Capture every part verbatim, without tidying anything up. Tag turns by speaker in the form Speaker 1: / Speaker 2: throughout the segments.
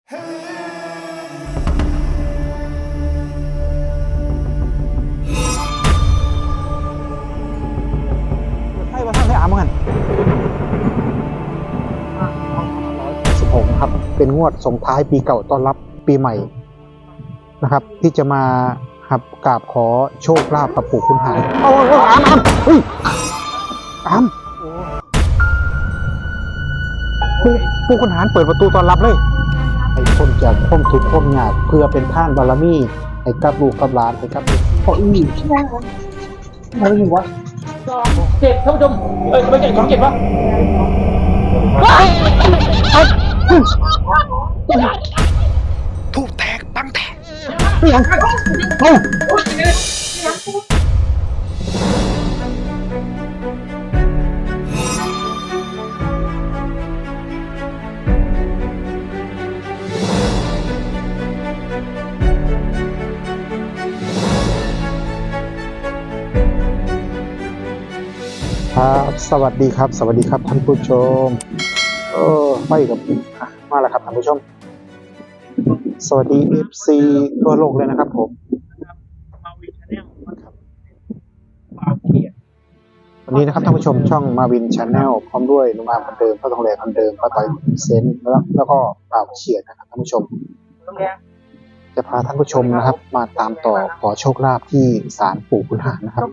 Speaker 1: ให้มาท่านได้อ่านมั้งสิบหกครับเป็นงวดส่งท้ายปีเก่าต้อนรับปีใหม่นะครับที่จะมาครับกราบขอโชคลาภกับปู่คุณหายโอ้โหอามอามเฮ้ยอามปู่ปู่คุณหายเปิดประตูต้อนรับเลยให้คนจากพ้นทุกข์พ้นยากเพื่อเป็นท่านบารมีให้กับลูกกับหลานให้กับพ่ออีนี่อะไรอยู่วะ
Speaker 2: เจ็ดท่านผู้ชมเอ้ยไม่ใช่สองเจ็ดวะ
Speaker 1: ถูกแตกตั้งแตกเฮ้ยเอ้าครับสวัสดีครับสวัสดีครับท่านผู้ชมเออไม่กับมาแล้วครับท่านผู้ชมสวัสดี เอฟ ซี ทั่วโลกเลยนะครับผมวันนี้นะครับท่านผู้ชมช่องมาวิน Channel พร้อมด้วยนุ่มอามคนเดิมป้าทองแหลคนเดิมป้าต่อยเซนแล้วแล้วก็ป่าวเฉียดนะครับท่านผู้ชมจะพาท่านผู้ชมนะครับมาตามต่อขอโชคลาภที่ศาลปู่ขุนหารนะครับ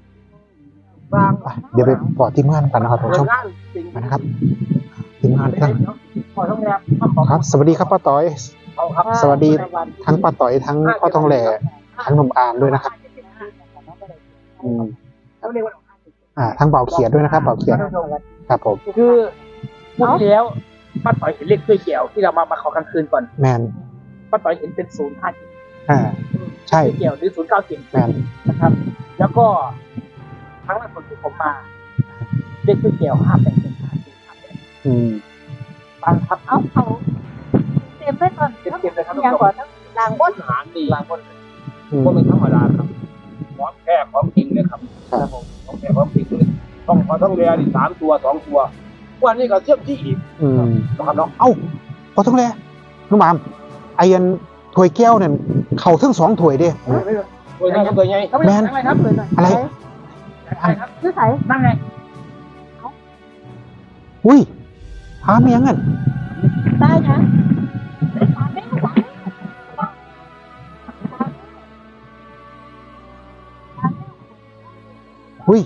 Speaker 1: เดี๋ยวไปปอดทีมงานกันนะครับท่านผู้ชมนะครับทีมงานกันครับสวัสดีครับป้าต่อยสวัสดีทั้งป้าต่อยทั้งป้าทองแหล่ทั้งหนุ่มอามด้วยนะครับอืมอ่าทั้งเบาเขียดด้วยนะครับเบาเขียดครับผม
Speaker 2: คือพูดแล้วป้าต่อยเห็นเลขด้วยแก้วที่เรามามาขอกลางคืนก่อน
Speaker 1: แมน
Speaker 2: ป้าต่อยเห็นเป็นศูนย์ห้าเจ็ด
Speaker 1: อ่าใช่
Speaker 2: แก้วหรือศูนย์เก้าเจ็ด
Speaker 1: แมน
Speaker 2: นะครับแล้วก็ครั้งล่าสุดที่ผมมาเลขด้วยแก้วห้าแปดเป็นห้าเจ็ดห้าแปด
Speaker 1: อืม
Speaker 2: บางครับเอ้าเขา
Speaker 3: เต็มไปก่อน
Speaker 2: เต็มเต็มเลยครับ
Speaker 3: อย่างก่อนทั้งหลังบน
Speaker 2: หางดีหลังบนก็เป็นธรรมดาครับของแค่ของจริงเลยครับครับผมของแค่ของจริงเลยต้องพอต้องเรียนสามตัวสองตัววันนี้ก็เทียบที่อีก
Speaker 1: อืม
Speaker 2: นะครับเนาะ
Speaker 1: เอ้าพอทองแหล่นุ่มอามไอ้ยันถ้วยแก้วเนี่ยเข่าทั้งสองถ้วยเด้
Speaker 2: ตัวใหญ่ตัวใหญ่
Speaker 1: แมน
Speaker 2: อะไรครับ
Speaker 1: อะไร
Speaker 2: อะไรครับ
Speaker 3: ชื่อใคร
Speaker 2: นั่งไง
Speaker 1: อุ้ยหาเมียงกัน
Speaker 3: ได้นะ
Speaker 1: อุ้ย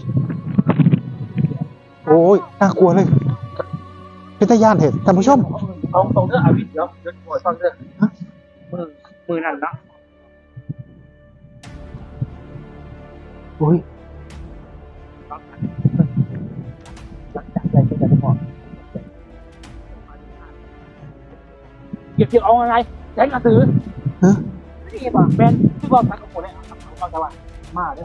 Speaker 1: โอ้ยน่ากลัวเลยเป็นตาย่านเหตุท่านผู้ชม
Speaker 2: ตรงตรงเรื่องอาวิทย์เดี๋ยวเดี๋ยวปวดฟังเรื่องมือมือนั่นนะ
Speaker 1: อุ้ย
Speaker 2: จับใจก็จะได้พอเก็บเกี่ยวเอาอะไรแจ้งกระสือ
Speaker 1: ฮะ
Speaker 2: นี่ป่ะแมนที่บอกสังคมคนนี้เขาจะว่ามาเลย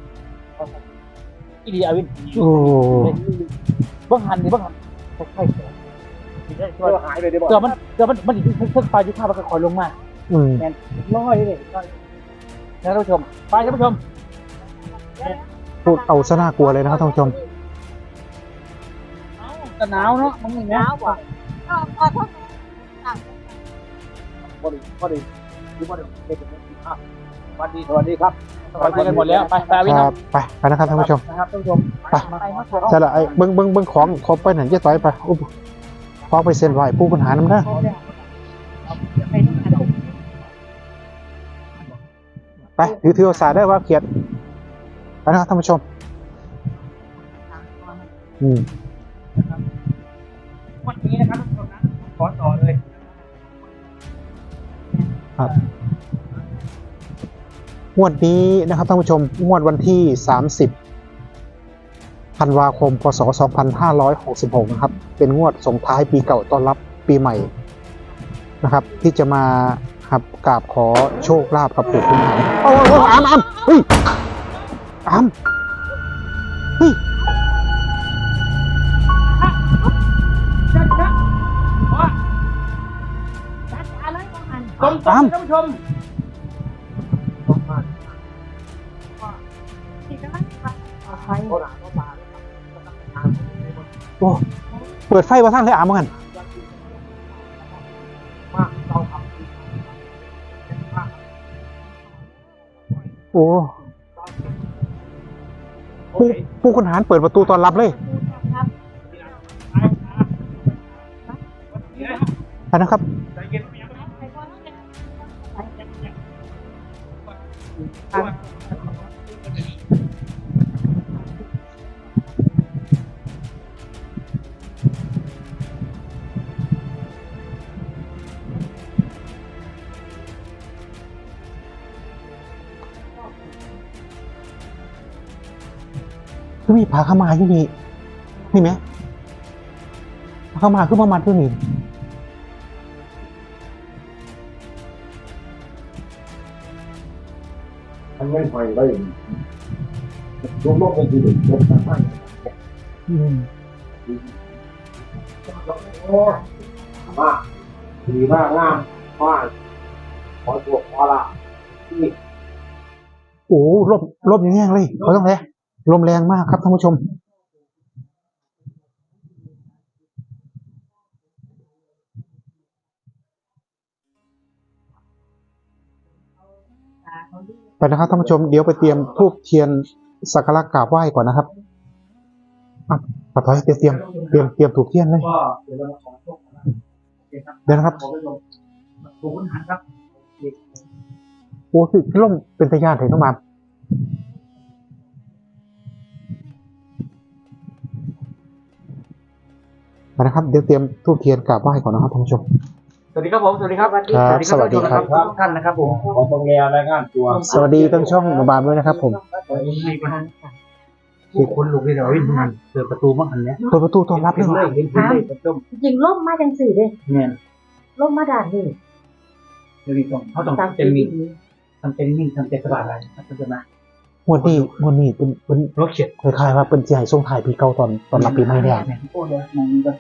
Speaker 2: อีดีอาวิน
Speaker 1: โอ้
Speaker 2: บ้างหันดิบ้างหันใช่ใช่ใช่หายเลยเดี๋ยวมันเดี๋ยวมันมันอยู่ที่เส้นปลายยุคข้ามันก็คอยลงมาแมนร้อยเลยนะท่านผู้ชมไปท่านผู้ชม
Speaker 1: พูดเอาซะน่ากลัวเลยนะครับท่านผู้ชม
Speaker 2: จะหนาวเนาะมันหนาวกว่า
Speaker 3: ก็พอทั้งหลัง
Speaker 2: พอดีพอดีดูพอดีเด็กๆครับสวัสดีสวัสดีครับไปกันหมดแล้วไปไปวิน
Speaker 1: ไปไปนะครับท่านผู้ชม
Speaker 2: นะครับท่านผู้ชม
Speaker 1: ไปใช่ละไอ้เบิ้งเบิ้งเบิ้งของครบไปไหนจะต่อยไปอุ๊บพอไปเซ็นไหวผู้ปัญหาน้ำได้ไปถือถือสาได้ว่าเขียดไปนะครับท่านผู้ชมอืม
Speaker 2: วันนี้นะครับท่านผู้ชมนะขอต่อเลย
Speaker 1: ครับงวดนี้นะครับท่านผู้ชมงวดวันที่สามสิบธันวาคมพศสองพันห้าร้อยหกสิบหกนะครับเป็นงวดส่งท้ายปีเก่าต้อนรับปีใหม่นะครับที่จะมาครับกราบขอโชคลาภกับปู่คุณหารโอ้โหอามอามเฮ้ยอามเฮ้ย
Speaker 2: ตรงท่านผู้ชม
Speaker 1: โอ้เปิดไฟมาทั้งเลยอ่ะมึงกัน
Speaker 2: มาเตาไฟ
Speaker 1: โอ้ผู้ผู้คุณหารเปิดประตูต้อนรับเลย
Speaker 3: ครับ
Speaker 1: ไปนะครับ
Speaker 3: ไปก่อนนะ
Speaker 1: คือมีผาขาวมาอยู่นี่นี่ไหมผาขาวมาคือประมาณที่นี่
Speaker 4: มันไม่ไฟได้รวมรวมกันคือรวมกันไม่
Speaker 1: อืม
Speaker 4: โอ้มากดีมากงามมากขอตัวขอละที่
Speaker 1: โอ้ลมลมอย่างแรงเลยเขาต้องแรงลมแรงมากครับท่านผู้ชม ไปนะครับท่านผู้ชมเดี๋ยวไปเตรียมธูปเทียนสักการะกราบไหว้ก่อนนะครับอ่ะปะถอยเตรียมเตรียมเตรียมเตรียมถูกเทียนเลย
Speaker 2: ก็เดี๋ยวเรามาขอโชคกันนะโอเคครับ
Speaker 1: เดี๋ยวนะครับ
Speaker 2: ขอไปลงปู่คุณหารครับ
Speaker 1: โอ้คือล่มเป็นตะยานเห็นน้องมามไปนะครับเดี๋ยวเตรียมธูปเทียนกราบไหว้ก่อนนะครับท่านผู้ชม
Speaker 2: สวัสดีครับผมสวัสดีครับ
Speaker 1: ครับสวัสดีครับ
Speaker 2: ทุกท่านนะครับผม
Speaker 4: ขอตรงแนวรายงานตัว
Speaker 1: สวัสดีทั้งช่องน้องบามด้วยนะครับผม
Speaker 2: มีคนผู้คนลุกเลยเดี๋ยววิ่งมันเปิดประตูมั่งอันเนี้ย
Speaker 1: เปิดประตูต้อนรับเลย
Speaker 2: เห็นเลยเห็นเลยประตู
Speaker 3: จริงล่มมาจังสี่เด้
Speaker 2: เนี่ย
Speaker 3: ล่มมาด่านนี่
Speaker 2: เดี๋ยวนี้ต้องเขาต้อง
Speaker 3: ตาม
Speaker 2: เป็นมี
Speaker 3: นี้
Speaker 2: ทำเป็นนิ่งทำเป็นสบายอะไรนะจะมาง
Speaker 1: วดนี้งวดนี้เป็นเป็น
Speaker 2: รถเข็ด
Speaker 1: คล้ายๆว่าเป็นเจียส่งถ่ายปีเก่าตอนตอนรับปีใหม่เนี่ย
Speaker 2: โอ้เดี๋ยวมองดู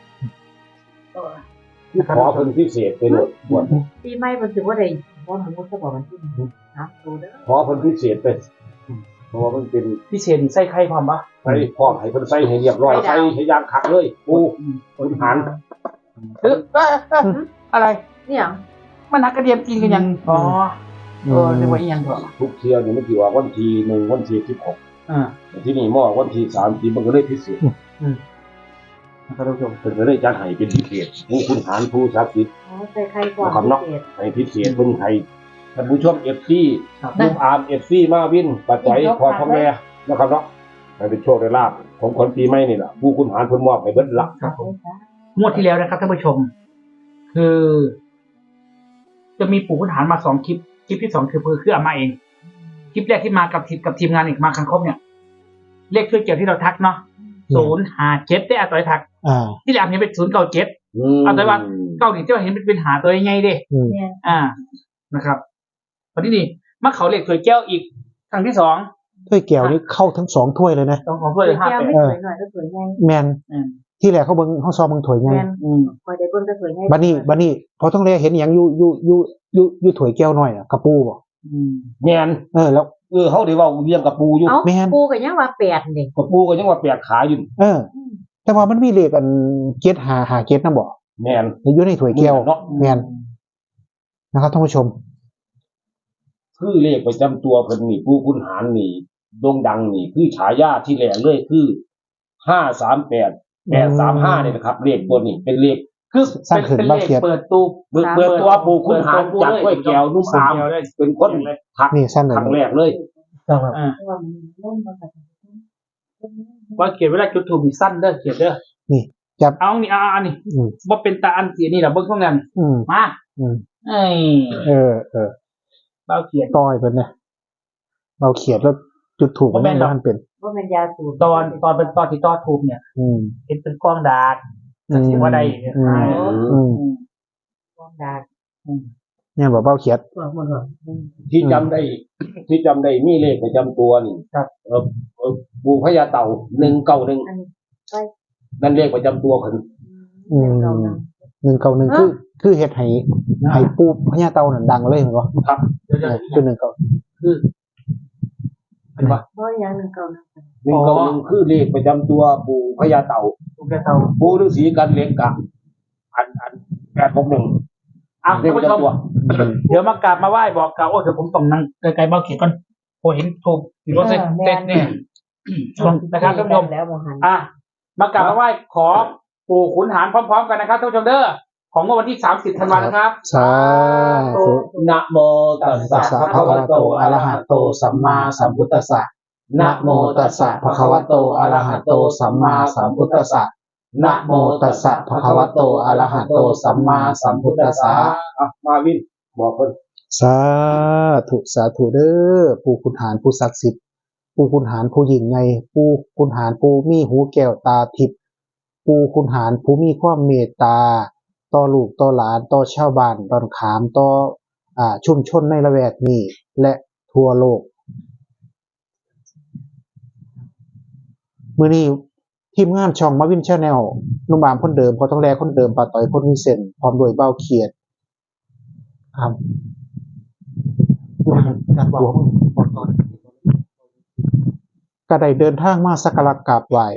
Speaker 4: ขอเป็นพิเศษไปหมดหมด
Speaker 3: ปีใหม่มันถือว่าได้เพราะมันมุดก็บอกมันที่นะดูเด้อ
Speaker 4: ขอเป็นพิเศษไปเพราะว่ามันเป็น
Speaker 2: พี่เชนใส่ไข่ความปะ
Speaker 4: ใส่พร้อมให้คนใส่ให้เรียบร้อยใส่ให้ยางคักเลยปูคนหัน
Speaker 2: เอออะไร
Speaker 3: เนี่ย
Speaker 2: มันนักกระเดียมกินกันยังอ๋อเออเรียกว่าอีหยังเถอะ
Speaker 4: ทุกเที่ยวนี่มันถือว่าวันที่หนึ่งวันที่สิบหก
Speaker 2: อ่า
Speaker 4: ที่นี่หม้อวันที่สามที่มันก็เลยพิเศษ
Speaker 2: นะครับท่านผู้ชม
Speaker 4: เป็นก็เลยจัดให้เป็นพิเศษผู้คุณหารผู้ศักดิ์สิทธิ์
Speaker 3: อ๋อใส่ไข่ก่อนพิเศษ
Speaker 4: ให้พิเศษเป็นไทยท่านผู้ชมเอฟซีลูกอาร์มเอฟซีมาวินปัจจัยพอท้องแม่นะครับเนาะให้เป็นโชคได้ลาภของคนปีใหม่นี่แหละผู้คุณหารเพิ่นมอบให้เบิดละ
Speaker 2: ครับผมงวดที่แล้วนะครับท่านผู้ชม คือ จะมีปู่ขุนหารมาสองคลิป คลิปที่สองคือคือคืออามาเอง คลิปแรกที่มากับทีมกับทีมงานอีกมาคันครบเนี่ย เลขช่วยเกี่ยวที่เราทักเนาะศูนย์หาเจ็ดได้อาต่อยทัก
Speaker 1: อ่า
Speaker 2: ที่แรกเห็นเป็นศูนย์เก้าเจ็ด เอาแต่ว่า เก้านี่ที่ว่าเห็นเป็นเป็นหาตัวยังไงเด้
Speaker 1: อืม
Speaker 3: เนี่ย
Speaker 2: อ่านะครับตอนนี้นี่มาเขาเลขช่วยแก้วอีกครั้งที่สอง
Speaker 1: ถ้วยแก้วนี่เข้าทั้งสองถ้วยเลยนะ
Speaker 2: ต้องของเพื่อนเลยห้า
Speaker 3: แก้ว
Speaker 2: แปด
Speaker 3: ไม่สวยหน่อยก็สวยไง
Speaker 1: แมน
Speaker 2: อืม
Speaker 1: ที่แรกเขาเบิ่งเขาซอมเบิ่งถ้วยไง
Speaker 3: แมน
Speaker 2: อืม
Speaker 3: คอยได้เบิ่งก็สวยไง
Speaker 1: บัดนี้บัดนี้พอต้องเรียเห็นอย่างอยู่อยู่อยู่อยู่อยู่ถ้วยแก้วหน่อยอะกระปูบ่
Speaker 2: อืม
Speaker 4: แม่น
Speaker 1: เออแล้ว
Speaker 4: เออเฮาได้เว้าเรียงกับปูอยู่
Speaker 3: เอ้า
Speaker 1: แม่น
Speaker 3: ปูก็ยังว่าแปดนี่
Speaker 4: กับปูก็ยังว่าแปลกขาอยู่
Speaker 1: เออ แต่ว่ามันมีเลขอันเจ็ดหาหาเจ็ดนะบ่
Speaker 4: แม่น
Speaker 1: อยู่ในถ้วยแก้ว
Speaker 4: เนาะ
Speaker 1: แมนนะครับท่านผู้ชม
Speaker 4: คือเลขประจำตัวเพิ่นนี่ผู้คุณหารนี่โด่งดังนี่คือฉายาที่แรกเลยคือห้าสามแปด แปดสามห้าเนี่ยนะครับเลขตัวนี้เป็นเลข
Speaker 2: คือ
Speaker 1: สร้างขึ้น
Speaker 2: เป็น
Speaker 1: บ้าน
Speaker 2: เลข
Speaker 1: เขียด
Speaker 2: เปิดตู้
Speaker 4: เบิกเบิกตัวปู่คุณหารจากห้วยแก้วนุ่มอามเป็นคนทัก
Speaker 1: นี่สั้นเลย
Speaker 4: ครั้งแรกเลย
Speaker 2: อ่า
Speaker 3: เพราะว่ามันล่มมาจาก
Speaker 2: ว่าเขียนเวลาจุดถูกมีสั้นเด้อเขียนเด้อ
Speaker 1: นี่จับ
Speaker 2: เอานี่เอาอันนี้
Speaker 1: อืม
Speaker 2: ว่าเป็นตาอันเสียนี่แหละเบิ้งข้างนั้น
Speaker 1: อืม
Speaker 2: มา
Speaker 1: อืม
Speaker 2: เอ้ย
Speaker 1: เออเออ
Speaker 2: เบ้าเขียน
Speaker 1: ต้อยเพิ่นเนี่ยเราเขียนแล้วจุดถูกมันไม่มันเป็น
Speaker 3: ว่ามันยาสูบ
Speaker 2: ตอนตอนเป็นตอนที่ตอนทูบเนี่ย
Speaker 1: อืม
Speaker 2: เห็นเป็นกล้องดาร์ก
Speaker 1: อืม
Speaker 2: ถือว่าได้
Speaker 1: อืม อืม
Speaker 2: อืม
Speaker 3: ก้อนดา
Speaker 1: เนี่ยบอกเบ้าเขียด
Speaker 2: ว่ามันก็
Speaker 4: ที่จำได้ ที่จำได้มีเลขประจำตัวนี่
Speaker 2: ครับ
Speaker 4: เออเออปู่พญาเต่าหนึ่งเก้าหนึ่ง
Speaker 3: อันนี้
Speaker 4: นั่นเลขประจำตัวเพิ่น
Speaker 1: อืม หนึ่งเก้าหนึ่งคือ คือเฮ็ดให้ให้ปูพญาเต่านั่นดังเลยเหมือนบ่
Speaker 4: ครับ
Speaker 2: เดี๋ยว
Speaker 1: เอ
Speaker 2: จะ
Speaker 1: อคือหนึ่งเก้า
Speaker 2: คือเป็นว่า
Speaker 3: เพราะอย่างหนึ่งเก่านะ
Speaker 4: หนึ่งเก้าหนึ่งคือเลขประจำตัวปู่พญาเต่า
Speaker 2: ถูกแล้วเตา
Speaker 4: ปู่ฤาษีกันเล็กกะอันอันแปดหกหนึ่ง
Speaker 2: อ่ะ
Speaker 4: เลข
Speaker 2: ท่าน
Speaker 4: ประ
Speaker 2: ผู้ชม
Speaker 4: จำตัว
Speaker 2: เดี๋ยวมากราบมาไหว้บอกกล่าวโอ้เดี๋ยวผมต้องนั่งไกลๆเบ้าเขียนก่อนผมเห็นถูกถือว่าเซ็ตเซ็ตเนี่ยนะครับท่านผู้ชม
Speaker 3: แล้วโมหัน
Speaker 2: อ่ะมากราบมาไหว้ขอปู่ขุนหารพร้อมๆกันนะครับท่านผู้ชมเด้อของวันที่สามสิบธันวาคมนะครับ
Speaker 1: สาธุ
Speaker 4: นะโมตัสสะ
Speaker 1: ตัสสะ
Speaker 4: ภะ
Speaker 1: ภะ
Speaker 4: คะ
Speaker 1: คะ
Speaker 4: วะ
Speaker 1: วะ
Speaker 4: โต
Speaker 1: โต
Speaker 4: อะ
Speaker 1: อะ
Speaker 4: ระ
Speaker 1: ระ
Speaker 4: หะ
Speaker 1: หะ
Speaker 4: โต
Speaker 1: โต
Speaker 4: สั
Speaker 1: สั
Speaker 4: ม
Speaker 1: ม
Speaker 4: มา
Speaker 1: มา
Speaker 4: สั
Speaker 1: สั
Speaker 4: ม
Speaker 1: ม
Speaker 4: พุ
Speaker 1: พุ
Speaker 4: ท
Speaker 1: ท
Speaker 4: ธั
Speaker 1: ธั
Speaker 4: ส
Speaker 1: ส
Speaker 4: สะ
Speaker 1: สะ
Speaker 4: นะโมตัสสะภะคะวะโตอะระหะโตสัมมาสัมพุทธัสสะ
Speaker 1: นะโมตัสสะภะคะวะโตอะระหะโตสัมมาสัมพุทธัสสะ
Speaker 4: อ่ะมาวินบอกเพิ่น
Speaker 1: สาธุสาธุเด้อปู่ขุนหารผู้ศักดิ์สิทธิ์ปู่ขุนหารผู้ยิ่งใหญ่ปู่ขุนหารผู้มีหูแก้วตาทิพย์ปู่ขุนหารผู้มีความเมตตาต่อลูกต่อหลานต่อชาวบ้านดอนขามต่ออ่าชุมชนในละแวกนี้และทั่วโลกมื้อนี้ทีมงานช่องมาวิน Channel นุ่มบามคนเดิมพอต้องแลคนเดิมปาต่อยคนมีเส้นพร้อมด้วยเบ้าเขียดครับก็ได้เดินทางมาสักการะกราบไหว้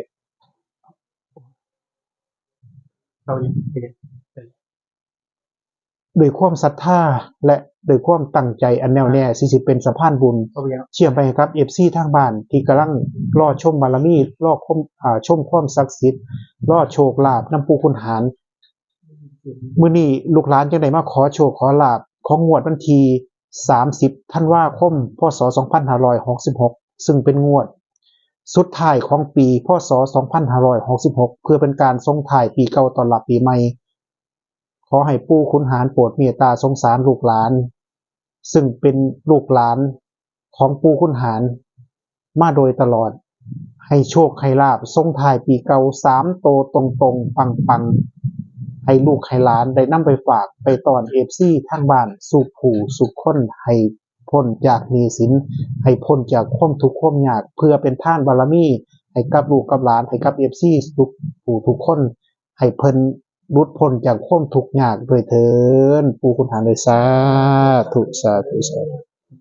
Speaker 1: ด้วยความศรัทธาและด้วยความตั้งใจอันแน่วแน่ที่สิเป็นสะพานบุญเชื่อมไปให้ครับ เอฟ ซี ทางบ้านที่กำลังรอชมบารมีรอชมอ่าชมความศักดิ์สิทธิ์รอโชคลาภนำปู่ขุนหารมื้อนี้ลูกหลานจังได้มาขอโชคขอลาภของงวดวันที่สามสิบธันวาคมพ.ศ. สองพันห้าร้อยหกสิบหกซึ่งเป็นงวดสุดท้ายของปีพ.ศ. สองพันห้าร้อยหกสิบหกเพื่อเป็นการส่งท้ายปีเก่าต้อนรับปีใหม่ขอให้ปู่ขุนหารโปรดเมตตาสงสารลูกหลานซึ่งเป็นลูกหลานของปู่ขุนหารมาโดยตลอดให้โชคให้ลาภส่งท้ายปีเก่าสามโตตรงๆปังๆให้ลูกให้หลานได้นำไปฝากไปตอน เอฟ ซี ทางบ้านสู่ผู้สู่คนให้พ้นจากหนี้สินให้พ้นจากความทุกข์ความยากเพื่อเป็นทานบารมีให้กับลูกกับหลานให้กับ เอฟ ซี ทุกผู้ทุกคนให้เพิ่นหลุดพ้นจากความทุกข์ยากด้วยเถิดปู่ขุนหารเลยสาธุสาธุสาธุ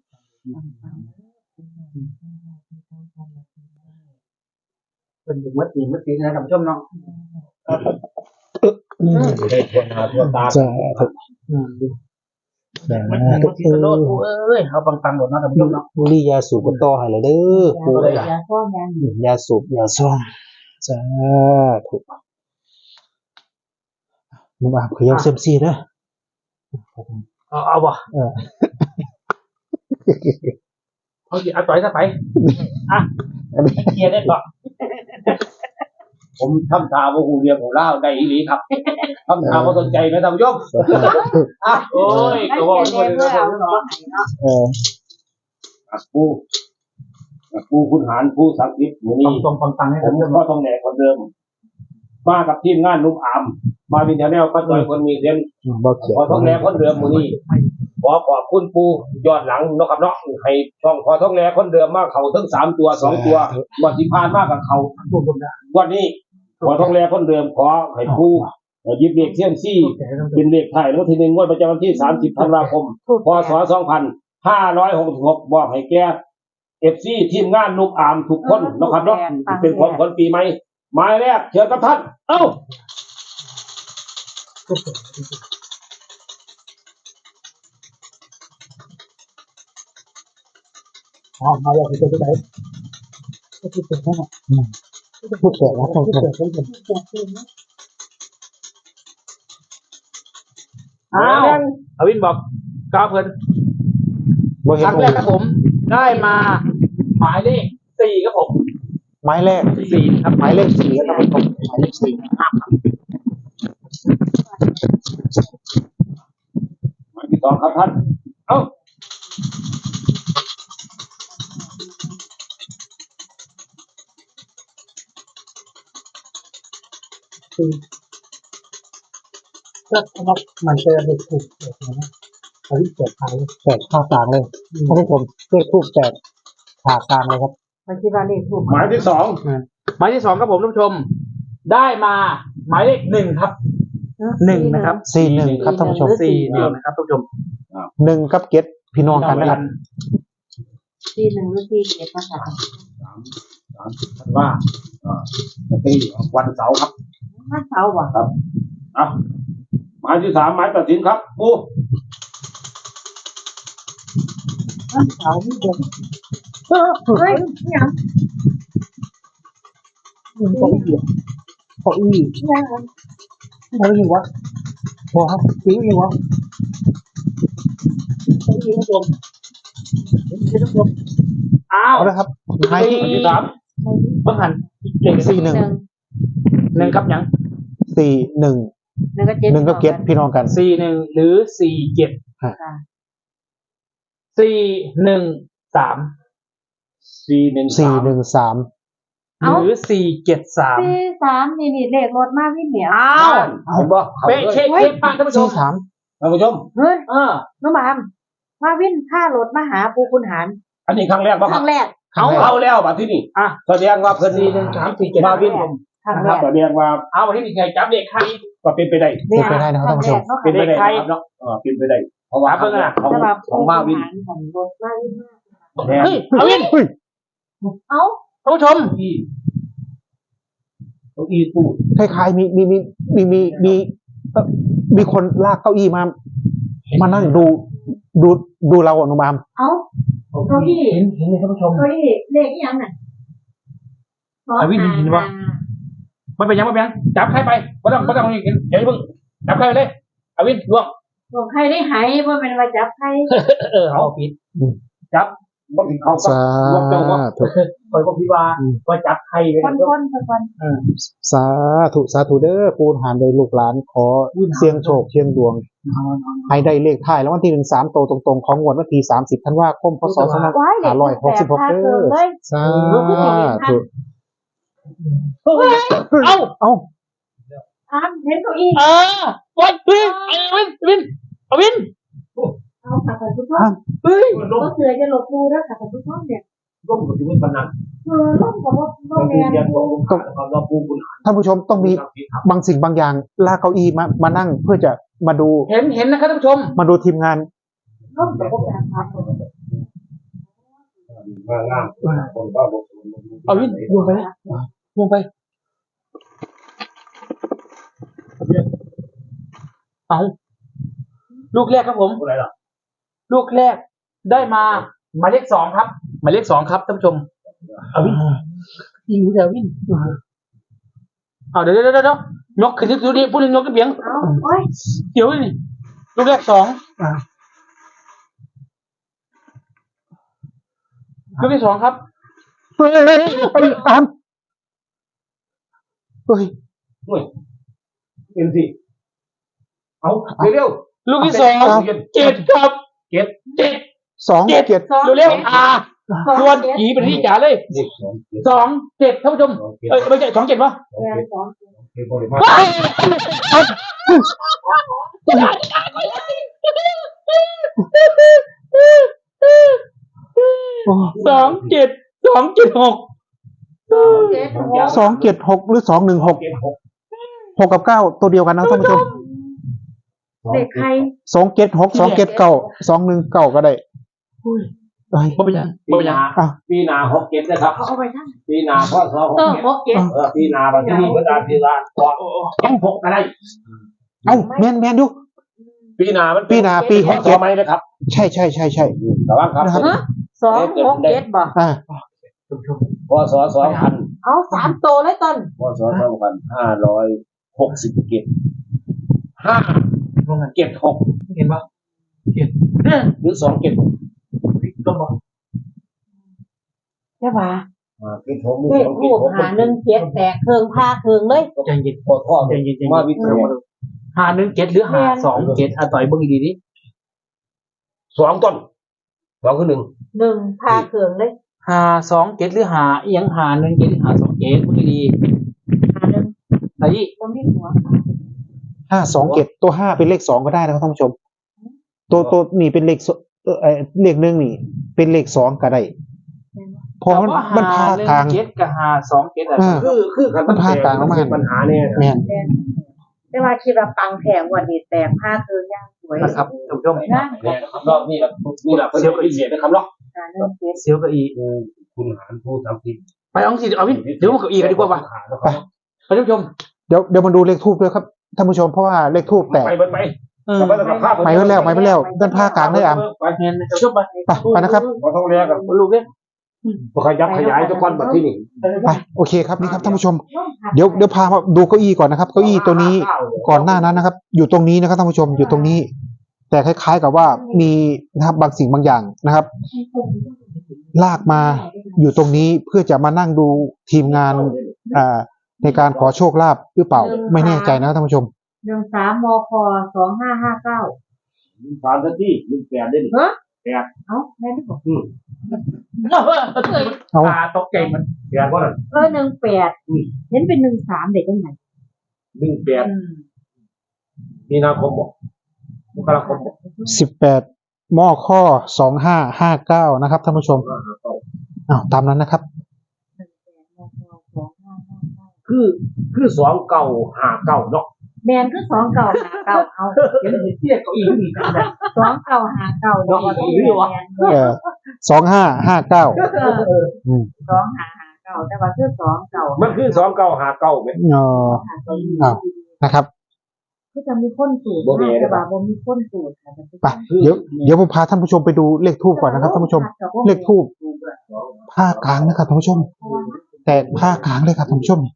Speaker 2: เป็นอยู่มัดตีมัดตีนะท่านผู้ชมเนาะ
Speaker 4: ได้ทั่วหน้าทั่วตา
Speaker 1: สาธุสา
Speaker 2: มัน
Speaker 1: ธุ
Speaker 2: มันที่ตะโลดเอ้ยเขาปังๆหมดเนาะท่านผู้ชมเนาะ
Speaker 1: บุหรี่ยาสูบก็ต่อให้เลยเด้อปู่
Speaker 3: ยาข้อยาหนี
Speaker 1: ยาสูบยาซ่องสาธุมึงอาบขยับเซมซีเด้อ
Speaker 2: เอาเอาบ่
Speaker 1: เออ
Speaker 2: เอาสิเอาต่อยซะไปอ่ะเคลียร์ได้ก่อน
Speaker 4: ผมทำตาบ่ฮู้เรียกฮู้ลาวได้อีหลีครับทำตาบ่สนใจนะท่านผู้ชมอ่ะ
Speaker 2: โอ้ย
Speaker 3: นั่น
Speaker 2: ก็บอก
Speaker 3: จะ
Speaker 2: ด้ว
Speaker 3: เรี
Speaker 2: ย
Speaker 3: ยน
Speaker 2: นะ
Speaker 3: เพื่อ
Speaker 2: ท่าน
Speaker 3: เอา
Speaker 2: ผู้ชม
Speaker 3: ตัว
Speaker 2: เนาะ
Speaker 3: ไหนเนาะ
Speaker 1: เออ
Speaker 4: ปู่ปู่ขุนหารผู้ศักดิ์สิทธิ์มื้อนี้
Speaker 2: ตรงๆปังๆให้
Speaker 4: ผ
Speaker 2: ท่าน
Speaker 4: ม
Speaker 2: ผู้ชม
Speaker 4: ก็ต้องแหนกคนเดิม มากับทีมงานนุ่มอามมาวินเทอร์แนลก็ต่อยคนมีเสียง
Speaker 1: บ่เขียน
Speaker 4: พอท้องแหนคนเดิมมื้อนี้ขอขอบคุณปู่ยอดหลังเนาะครับเนาะให้ช่องพอท้องแหนคนเดิมมาเข้าทั้งสามตัวสองตัววันที่ผ่านมากับเขา
Speaker 2: รวมรวมได้
Speaker 4: วันนี้พอท้องแหนคนเดิมขอให้ปู่หยิบเลขเซียมซี่เป็นเลขไทายแล้วทีหนึ่งงวดประจำวันที่สามสิบธันวาคมพศสองพันห้าร้อยหกสิบหกบอกให้แก่ เอฟ ซี ทีมงานนุ่มอามทุกคนเนาะครับเนาะเป็นของคนปีใหม่หมายแรกเชิญกับท่านเอ้า
Speaker 2: อ๋อมาแล้วคือตัวไหนก็คือตัวนั้น
Speaker 1: ผู้แก่แล้วต้องท
Speaker 2: อ้าวอวินบอกก้าวเพิ่น
Speaker 1: ำบ่
Speaker 2: ค
Speaker 1: เห็น
Speaker 2: รั้งแรกครับผม ได้มา หมายเลขสี่ครับผม
Speaker 1: ไม้แรก
Speaker 2: สี่ครับ
Speaker 1: หมายเลขสี่แล้วต้องเป็นหมายเลขสี่
Speaker 4: หมายที่สองครับท่านเอ้า
Speaker 2: ก็มันจะเป็นถูกเกิดนะอวินเกิดใคร
Speaker 1: แปดข้าวกลางเลยท่านผู้ชมเลขทูบแปดผ่ากลางเลยครับ
Speaker 3: มันคิดว่าเลขถูก
Speaker 4: หมายที่สอง
Speaker 2: หมายที่สองครับผมท่านผู้ชม ได้มา หมายเลขหนึ่งครับ หนึ่งนะครับ
Speaker 1: สี่หนึ่งครับท่านผู้ชม
Speaker 2: สี่หนึ่งนะครับท่านผู้ชม
Speaker 1: หนึ่งกับเก็ดพี่น้องกันนะครับ
Speaker 3: ที่หนึ่งหรือที่เจ็ดภาษา
Speaker 4: สามสามท่านว่าอ่าจะตีวันเสาร์ครับ
Speaker 3: ภาษาว่ะ
Speaker 4: ครับอ่ะหมายที่สามหมายตัดสินครับปู
Speaker 3: ภาษาไม่เด็กเฮ้ยนี่ยัง
Speaker 2: เก้าอี้เก้าอี้
Speaker 3: นี่ยัง
Speaker 2: อะไรอยู่วะบอกครับปิ้งอยู่วะเก้าอี้ท่านผู้ชมเห็นไหมท่านผู้ชมอ้าว
Speaker 1: เอาละครับไม้
Speaker 2: สี่ที่สามบังหันเลข
Speaker 1: สี่หนึ่ง
Speaker 2: หนึ่งครับยัง
Speaker 1: สี่หนึ่ง
Speaker 3: หนึ่งก็เจ็ด
Speaker 1: หนึ่งก็เก็ตพี่น้องกัน
Speaker 2: สี่หนึ่งหรือสี่เจ็ด
Speaker 3: ค่ะ
Speaker 2: สี่หนึ่งสาม
Speaker 4: สี่หนึ่ง
Speaker 1: สี่
Speaker 4: สาม
Speaker 1: หนึ่งสาม
Speaker 2: หรือสี่เจ็ดสาม
Speaker 3: สี่สามนี่นี่เลขรถมากพี่เหมียว
Speaker 2: อ้าว
Speaker 4: เห็นบ่
Speaker 2: เป๊ะเช็คเช็คผ่านท่านผู้ช
Speaker 1: สี่
Speaker 2: ม
Speaker 1: สาม
Speaker 4: ท่านผู้ชม
Speaker 3: เฮ้ย
Speaker 2: เออ
Speaker 3: น้องบามมาวิ่งค่ารถมาหาปูคุณหาร
Speaker 4: อันนี้ครั้งแรกบ่
Speaker 3: ค
Speaker 4: ครั
Speaker 3: รั้
Speaker 4: บ
Speaker 3: งแรก
Speaker 2: เอา
Speaker 4: เอาแล้วบัดที่นี่
Speaker 2: อ่ะ
Speaker 4: แสดงว่าเพิ่น
Speaker 2: สี่หนึ่งสามสี่เจ็ด
Speaker 4: มาวินผม
Speaker 3: ครั้ง
Speaker 4: นะ
Speaker 3: แร
Speaker 4: ครับ
Speaker 3: ก
Speaker 4: แสดงว่า
Speaker 2: เอาวันที่มีใครจับเด็กใคร
Speaker 4: ก็เป็นไปได้
Speaker 1: เป็นไปได้นะครับท่านผู้ชม
Speaker 4: เป็นไปได้
Speaker 2: ใคร
Speaker 4: นะครับเนาะเออเป็นไปได้เพราะว่า
Speaker 2: ครับเพิ่งอะ
Speaker 4: ของ
Speaker 3: จะมา
Speaker 4: ของมาวิน
Speaker 3: ของรถมาวินมาก
Speaker 4: แน่
Speaker 2: เฮ้ยเอาวิน
Speaker 1: เฮ้ย
Speaker 3: เอ้า
Speaker 2: ท่านผู้ชม
Speaker 4: ที่เก้าอี้ตู้
Speaker 1: คล้ายๆมีมีมีมีมีมีเอ่อมีคนลากเก้าอี้มา มานั่งดูดูดูเราอะหนุมาม
Speaker 3: เอ้าเก้าอี้
Speaker 2: เห็นเห็นเลยท่านผู้ชม
Speaker 3: เก้าอี้เลขอีหยังน่ะ
Speaker 2: เอาวินเห็นปะ มันเป็นยังไงเป็นยังจับใครไปไม่ต้องไม่ต้องเห็นเดี๋ยวเพิ่งจับใครไปเลยเอาวินล่วง
Speaker 3: บอกใครได้หายว่าเป็นว่าจับใคร
Speaker 2: เออเอาปิด
Speaker 4: บ่ถึงเขาก็
Speaker 1: สา
Speaker 4: ว่าเจ้าว่า
Speaker 1: ธุ
Speaker 2: คอยบอกพี่ว่าว่าจับใครไป
Speaker 3: คนคนคนคน
Speaker 1: สาธุสาธุเด้อปูนหานโดยลูกหลานขอเสียงโชคเสียงดวง ให้ได้เลขท้ายแล้ววันที่หนึ่งสามโตวตรงๆ ของงวดวันที่สามสิบธันวาคมพศสองพัน
Speaker 3: ว้ายเลข
Speaker 1: ห้าร้อยหกสิบหก
Speaker 3: แปด
Speaker 1: เด้อ
Speaker 3: เลย
Speaker 1: สาธุ
Speaker 2: เอ้า
Speaker 1: เอ้า
Speaker 3: อ้ามเห็นเก้าอี้
Speaker 2: เออวันวินไอ้วินวินเอาวิน
Speaker 3: เอาค่ะท่านผู้ชม
Speaker 2: เฮ้ย
Speaker 3: ก็เสือจะหลบดูแล้วค่ะท่านผู้ชมเนี่ย
Speaker 4: ร่มกับที่มันปนัน
Speaker 3: เออร่มกับว่าโร
Speaker 4: ก็
Speaker 3: ง
Speaker 4: คือ
Speaker 3: แรม
Speaker 4: เรียนของผมความรอบปูคุณ
Speaker 1: ท่านผู้ชมต้องมีบางสิ่งบางอย่างลากเก้าอี้มามานั่งเพื่อจะมาดู
Speaker 2: เห็นเห็นนะครับท่านผู้ชม
Speaker 1: มาดูทีมงาน
Speaker 3: ร่มกับพวกแบบมา
Speaker 4: มางามคนก็บอก
Speaker 2: เอาวินลงไปลงไปเอาลูกแรกครับผม
Speaker 4: อะไรล่ะ
Speaker 2: ลูกแรกได้มาหมายเลขสองครับหมายเลขสองครับท่านผู้ชมเอาวินยิงเดี๋ยววินเอาเดี๋ยวเดี๋ยวเดี๋ยวยกขึ้นดูดิพูดถึงยกกระเบียง
Speaker 3: เอาโอ้ย
Speaker 2: เดี๋ยวนี่ลูกแรกสองลูกที่สองครับ
Speaker 1: เฮ้ยเฮ้ยเฮ้ยตามเฮ้ย
Speaker 4: เฮ้ยเอ็มซีเอาเร็ว
Speaker 2: ลูกที่สองเจ็ดครับ
Speaker 4: เก็บ
Speaker 2: เจ็ด
Speaker 1: สอง
Speaker 2: เจ็ด
Speaker 1: เจ็ด
Speaker 2: เร็วๆอ่าส่วนผีเป็นที่จ๋าเลย
Speaker 4: เด็กสองเก็บ
Speaker 2: สองเจ็ดท่านผู้ชมเอ้ยไม่ใช่สองเจ็ดวะ
Speaker 3: แรงสอง
Speaker 4: เก็บบริมา
Speaker 2: สองเจ็ดสองเจ็ดหก
Speaker 3: เจ็ดหก
Speaker 1: สองเจ็ดหกหรือสองหนึ่งหก
Speaker 4: เก็บหก
Speaker 1: หกกับเก้าตัวเดียวกันนะท่านผู้ชม
Speaker 3: เด็กใคร
Speaker 1: สองเจ็ดหกสองเจ็ดเก้าสองหนึ่งเก้าก็ได้เฮ้ย
Speaker 2: บ่เป็นยังบ่
Speaker 4: ปี
Speaker 2: เป็นยัง
Speaker 4: นา
Speaker 1: อ่ะ
Speaker 4: ปีนาหกเก็บนะครับ
Speaker 3: เขาเอาไปทั้ง
Speaker 4: ปีนาพ่อสองห
Speaker 3: เอก อ
Speaker 4: เก็บ
Speaker 3: หกเจ็ด
Speaker 4: เออปีนาบัดนี้เวลาปีนาก่อนต้องหกอะไร
Speaker 1: เอ้าแมนแมนดู
Speaker 4: ปีนามัน
Speaker 1: ปีนาปีหก
Speaker 4: ต่
Speaker 1: เจ็
Speaker 4: อ
Speaker 1: ด
Speaker 4: ไหมนะครับ
Speaker 1: ใช่ใช่ใช่ใช่
Speaker 4: ระวังครับ
Speaker 1: นะครับ
Speaker 3: ฮะสองหกเจ็ดบ่
Speaker 1: อ่า
Speaker 4: พศสองพัน
Speaker 3: เอาสามโตเลยต้น
Speaker 4: พศสองพันห้าร้อยหกสิบเก็บห้าเก็บหก
Speaker 2: เห็นปะ
Speaker 4: หรือสองเก็บ
Speaker 2: ต้นบ่
Speaker 3: ใช่ป่ะ
Speaker 4: อ่าเก็บหกหรือ
Speaker 3: เลข
Speaker 4: สอง
Speaker 3: รู
Speaker 4: เก็บ
Speaker 3: ป
Speaker 4: หก
Speaker 3: หาหนึ่งเจ็ดแตกเคืองผ้าเคืองเลย
Speaker 2: ใจเย็น
Speaker 4: พอท่อ
Speaker 2: ใจเย็นใจเย็น
Speaker 4: มาวิทย์
Speaker 2: หาหนึ่งเจ็ดหรือหาสองเจ็ดอ่ะต่อยเบิ่งดีๆดิ
Speaker 4: สองต้นสองคือหนึ่ง
Speaker 3: หนึ่งผ้าเคืองเลย
Speaker 2: หาสองเจ็ดหรือหาเอียงหาหนึ่งเจ็ดหรือหาสองเจ็ดเบิ่งดี
Speaker 3: หาหนึ่ง
Speaker 2: ๆไอ้
Speaker 3: ก็มีหัว
Speaker 1: ห้าสองเจ็ดตัวห้าเป็นเลขสองก็ได้นะครับท่านผู้ชม ตัวตัวนี่เป็นเลขสเออเอ่อเลขหนึ่งนี่ เป็นเลขสองก็ได้เพราะมันมันพากลาง
Speaker 2: เจ็ดกับหาสองเจ็ดอ่ะ
Speaker 1: อ่า
Speaker 4: คือคือคัน
Speaker 1: มันพากลางออกมา
Speaker 4: เป็นปัญหาเนี่ย
Speaker 1: แม่น
Speaker 3: แต่ว่าคิดว่าปังแผงวันนี้แตกผ้าเคืองย่างสวย
Speaker 2: นะครับท่านผู้ชม
Speaker 3: นะ
Speaker 4: รอบนี้แหละนี่แหละเป็นเรื่องพิเศษนะครับเนาะ
Speaker 3: หาหนึ่งเจ็ด
Speaker 2: เซียวกับอี
Speaker 4: คุณหารผู้ทำผิด
Speaker 2: ไปเอาสิเอาวินเดี๋ยวมากับอีกันดีกว่าป่ะ
Speaker 1: ไป
Speaker 2: ท่านผู้ชม
Speaker 1: เดี๋ยวเดี๋ยวมาดูเลขทูบด้วยครับท่านผู้ชมเพราะว่าเลขทูบแตก
Speaker 4: ไปไปไป
Speaker 2: เออ
Speaker 4: ไปกับภาพ
Speaker 1: ไปไว้แล้วไปไว้แล้วด้านผ้ากลางเลยอ่ะ
Speaker 2: ไปเงินท่านผู้ชมไป
Speaker 1: ไปไปนะครับ
Speaker 4: ขอโทษเรียกกับ
Speaker 2: ลูกเนี่ย
Speaker 4: ขยับขยายทุกคนแบบที่นี่
Speaker 1: ไปโอเคครับนี่ครับท่านผู้ชมเดี๋ยวเดี๋ยวพามาดูเก้าอี้ก่อนนะครับเก้าอี้ตัวนี้ก่อนหน้านั้นนะครับ อยู่ตรงนี้นะครับท่านผู้ชมอยู่ตรงนี้ แต่คล้ายๆกับว่ามีนะครับบางสิ่งบางอย่างนะครับ ลากมาอยู่ตรงนี้เพื่อจะมานั่งดูทีมงานอ่าในการขอโชคลาภหรือเปล่าไม่แน่ใจนะครับท่านผู้ชม
Speaker 3: หนึ่งสามมคสองห้าห้าเก้า
Speaker 4: สามนาทีหนึ่งแปดได้ดิ
Speaker 3: เฮ้ย
Speaker 4: แปด
Speaker 3: เอ้าแม่ไม่บอก
Speaker 2: เอาตาตกใจมัน
Speaker 4: แปดว่า
Speaker 3: เออหนึ่งแปดเห็นเป็นหนึ่งสามเด็กยังไง
Speaker 4: หนึ่งแปดมีนาคมบอกมกราคมบอก
Speaker 1: สิบแปดมอข้อสองห้าห้าเก้านะครับท่านผู้ชมอ้าวตามนั้นนะครับ
Speaker 3: หนึ่งแปดมคสองห้าห้าเก้า
Speaker 4: คือคือสองเก่าหาเก่าเนาะ
Speaker 3: แมนคือสองเก่าหาเก่าเอา
Speaker 2: เห็นเทียบเก้าอี้มีกันแบบ
Speaker 3: สองเก่าหาเก่าเนาะ
Speaker 1: เออสองห้าห้าเก้าอืม
Speaker 3: สองหาหาเก่าแต่ว่าคือสองเก่า
Speaker 4: มันคือสองเก่าหาเก่าไหม
Speaker 1: เอออ้าวนะครับ
Speaker 3: ก็จะมีคนสูตรแต่ว่าบ่มีคนสูตรค่ะ
Speaker 1: ไปเดี๋ยวเดี๋ยวผมพาท่านผู้ชมไปดูเลขทูบก่อนนะครับท่านผู้ชม เลขทูบผ้ากลางนะครับท่านผู้ชม แต่ผ้ากลางเลยครับท่านผู้ชม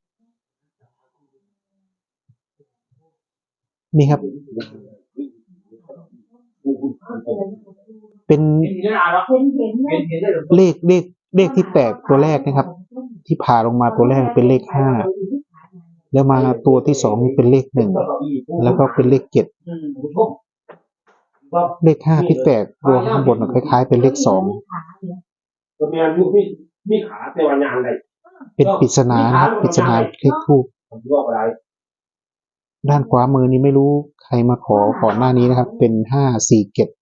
Speaker 1: นี่ครับ เป็น
Speaker 2: เห็นเห็นอะไร
Speaker 3: เห็นเห็นไหม
Speaker 2: เห็นเห็นได้หรือ
Speaker 1: เลขเลขเลขที่แตกตัวแรกนะครับ ที่ผ่าลงมาตัวแรกเป็นเลขห้าแล้วมาตัวที่สองนี่เป็นเลขหนึ่งแล้วก็เป็นเลขเจ็ด
Speaker 2: อืม
Speaker 1: เลขห้าที่แตกตัวข้างบนน่ะคล้ายๆ เป็นเลขสอง
Speaker 4: ตัวเมียมีมีมีขาแต่ว่ายางไร
Speaker 1: เป็นปริศนานะครับปริศนาเลขทูบ
Speaker 4: ผมยกอะไร
Speaker 1: ด้านขวามือนี้ไม่รู้ใครมาขอก่อนหน้านี้นะครับ เป็นห้าสี่เจ็ด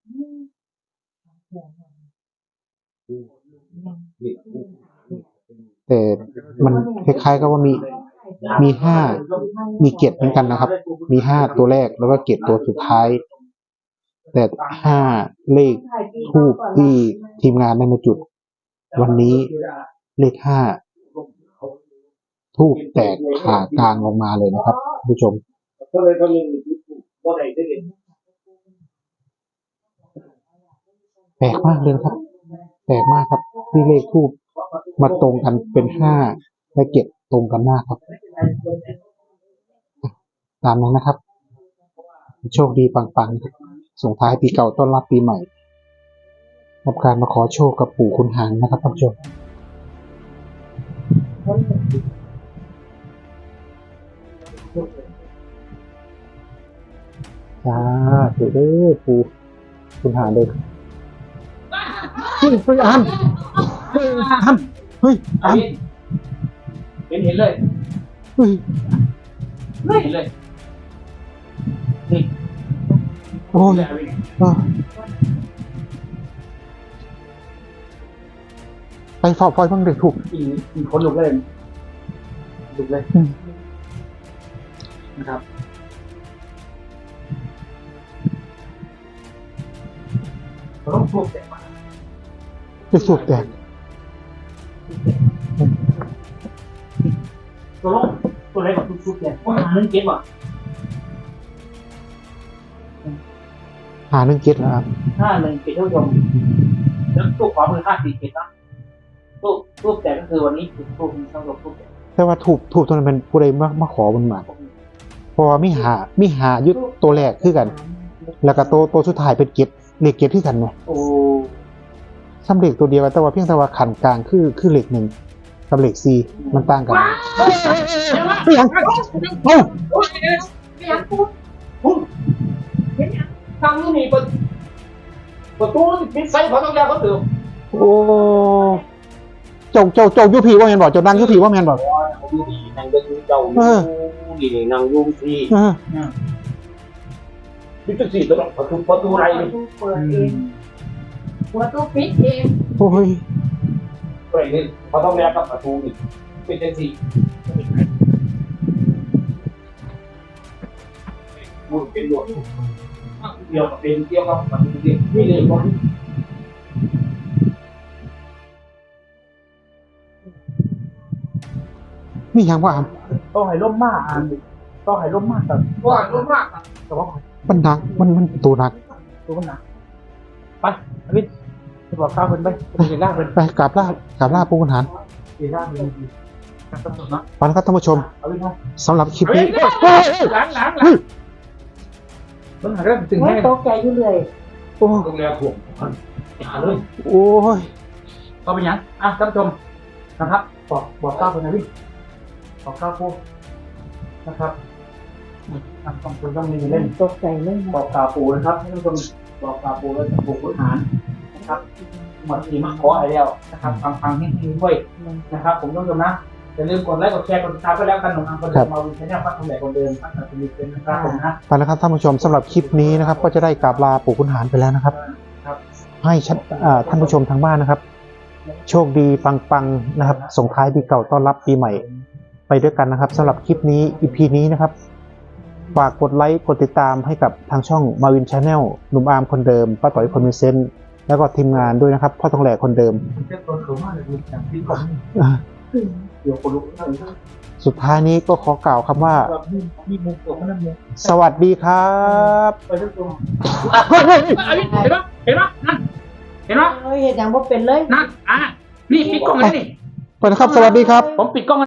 Speaker 1: แต่มันคล้ายๆกับว่ามีมีห้ามีเจ็ดเหมือนกันนะครับ มีห้าตัวแรกแล้วก็เจ็ดตัวสุดท้าย แต่ห้าเลขทูบที่ทีมงานได้มาจุด วันนี้เลขห้าทูบแตกผ่ากลางออกมาเลยนะครับผู้ชม
Speaker 4: ก็เลยก็เลยว่าไหนได้เห็น
Speaker 1: แปลกมากเลยครับแปลกมากครับที่เลขทูบมาตรงกันเป็นห้าและเจ็ดตรงกันมากครับตามนั้นนะครับโชคดีปังๆครับส่งท้ายปีเก่าต้อนรับปีใหม่กับการมาขอโชคกับปู่คุณหางนะครับท่านผู้ชมจ้าถูกเด้อปู่คุณหางเลยเฮ้ยเฮ้ยอันเฮ้ยอันเฮ้ยอัน
Speaker 2: เห็นเห็นเลย
Speaker 1: เฮ้ย
Speaker 2: ไม่เห็นเลยนี่
Speaker 1: โอ้ยอ่ะไปฝากไฟบ้างเด็กถูก
Speaker 2: อีอีคนลุกเลยลุกเลย
Speaker 1: อืม
Speaker 2: นะครับ เราต้องพูดแต่มา
Speaker 1: เด็กสูบแตก
Speaker 2: ตัวลงตัวอะไรกับทุกชุดเนี่ยว่าหนึ่งเก็บว่ะ
Speaker 1: หาเรื่องเก็ตแล้วครับ
Speaker 2: ห้าหนึ่งเก็บท่านผู้ชมแล้วตู้ขวามือห้าสี่เก็บนะตู้ตู้แต่ก็คือวันนี้คือตู้มีทั้งหมดตู้แต่
Speaker 1: แต่ว่าถูกถูกตัวนั้นเป็นผู้ใดมามาขอมันมาเพราะว่ามิหามิหายุดตัวแรกคือกัน แล้วก็ตัวตัวสุดท้ายเป็นเก็ตเลขเก็ตที่กันเนี่ย
Speaker 2: โอ้
Speaker 1: ซ้ำเลขตัวเดียวกันแต่ว่าเพียงแต่ว่าขันกลางคือคือเลขหนึ่งกับเลขสี่มันต่างกันไม่ยังเอ้า
Speaker 3: ไม่อยากพูดเห็นยัง
Speaker 4: ทางนี้มีประประตูปิดไซส์เขาต้องยาเขาตื่น
Speaker 1: โอ้เจ้าเจ้าเจ้ายุพีว่าแมนบอกเจ้านั่งยุพีว่าแมนบอก
Speaker 4: อยู่ดีนางเดินเจ้าอยู่ดีนางยุ่งที่
Speaker 1: เออ
Speaker 4: พิจารณาตัวประตูประตูอะไร
Speaker 3: ประตูเปิดเองประตูปิดเอง
Speaker 1: โอ้ย
Speaker 4: ก็อย่างนี้เขาต้องแลกกับประตูอีกเป็นจังสี่พูดเป็นหลวงเดียวกับเป็นเกี่ยวกับประตูเดียวนี่เลยว่า
Speaker 1: นี่ยังว่า
Speaker 2: ต้องให้ร่มมากอ่ะต้องให้ร่มมากแต่
Speaker 4: ว่ารู้มาก
Speaker 2: แต่ว่า
Speaker 1: มันหนักมันมันตัวหนัก
Speaker 2: ตัวมันหนักไปอภิษบอกข้าวเพิ่นไปไปเห็นล่าเพิ่น
Speaker 1: ไปกราบลากราบลาปู่ขุนหาร
Speaker 2: เห็นล่าเพิ่นดีครับท่านผู้ชมเนาะ
Speaker 1: ไปนะครับท่านผู้ชม
Speaker 2: เอาไปเนาะ
Speaker 1: สำหรับคลิป
Speaker 2: เฮ้ย
Speaker 1: นี้
Speaker 2: หลังหลังหลังเพิ่นหาเรื่องตึง
Speaker 3: โอ้
Speaker 2: ให้
Speaker 3: ยตกใจอยู่เลย
Speaker 1: โอ้
Speaker 2: โรงแรมถ่วงหาเลย
Speaker 1: โอ้ย
Speaker 2: ก็เป็นยังอ่ะท่านผู้ชมนะครับบอกบอกข้าวเพิ่นนะพี่บอกข้าวพวกนะครับอ่ะต้องคุณต้องมีเล่น
Speaker 3: ตกใจเลย
Speaker 2: บ
Speaker 3: นะ
Speaker 2: อกกล่าวปู่นะครับท่านผู้ชมบอกกล่าวปู่แล้วจากปู่ขุนหารนะครับหมดทีมาขออะไรแล้วนะครับฟังฟังให้ดีด้วยนะครับ ผมต้องชมนะอย่าลืมกดไลค์กดแชร์กดติดตามไปแล้วกันหนุ่มอังคนเดิมมาวินชแนลพัฒน์ทองแหลกคนเดิมพัฒน์สมิทเป็นนะครับผมนะ
Speaker 1: ไปนะครับท่านผู้ชมสำหรับคลิปนี้นะครับ ก็จะได้กราบลาปู่ขุนหารไปแล้วนะครับ
Speaker 2: ครับ
Speaker 1: ให้ชัดอ่าท่านผู้ชมทางบ้านนะครับ โชคดีปังๆนะครับส่งท้ายปีเก่าต้อนรับปีใหม่ ไปด้วยกันนะครับสำหรับคลิปนี้ อี พี นี้นะครับฝากกดไลค์กดติดตามให้กับทางช่องมาวินชาแนลหนุ่มอาร์มคนเดิมป้าต่อยคนมีเซนต์แล้วก็ทีมงานด้วยนะครับพ่อทองแหลกคนเดิม
Speaker 2: เจ้าตัวเขามากเลยอย่างที่ก่อน
Speaker 1: อ่า
Speaker 2: เดี๋ยวคนลุกเลย
Speaker 1: สุดท้ายนี้ก็ขอกล่าวคำว่า
Speaker 2: แบบมีมีมุมตัวมันนั่นเลย
Speaker 1: สวัสดีครับ
Speaker 2: ไปท่านผู้ชมเห็นปะเห็นปะนั่นเห็นปะ
Speaker 3: โอ้ยเห็นอย่างว่าเป็นเลย
Speaker 2: นั่นอ่ะนี่ปิดกล้องเลยนี่
Speaker 1: ไปนะครับสวัสดีครับ
Speaker 2: ผมปิดกล้อง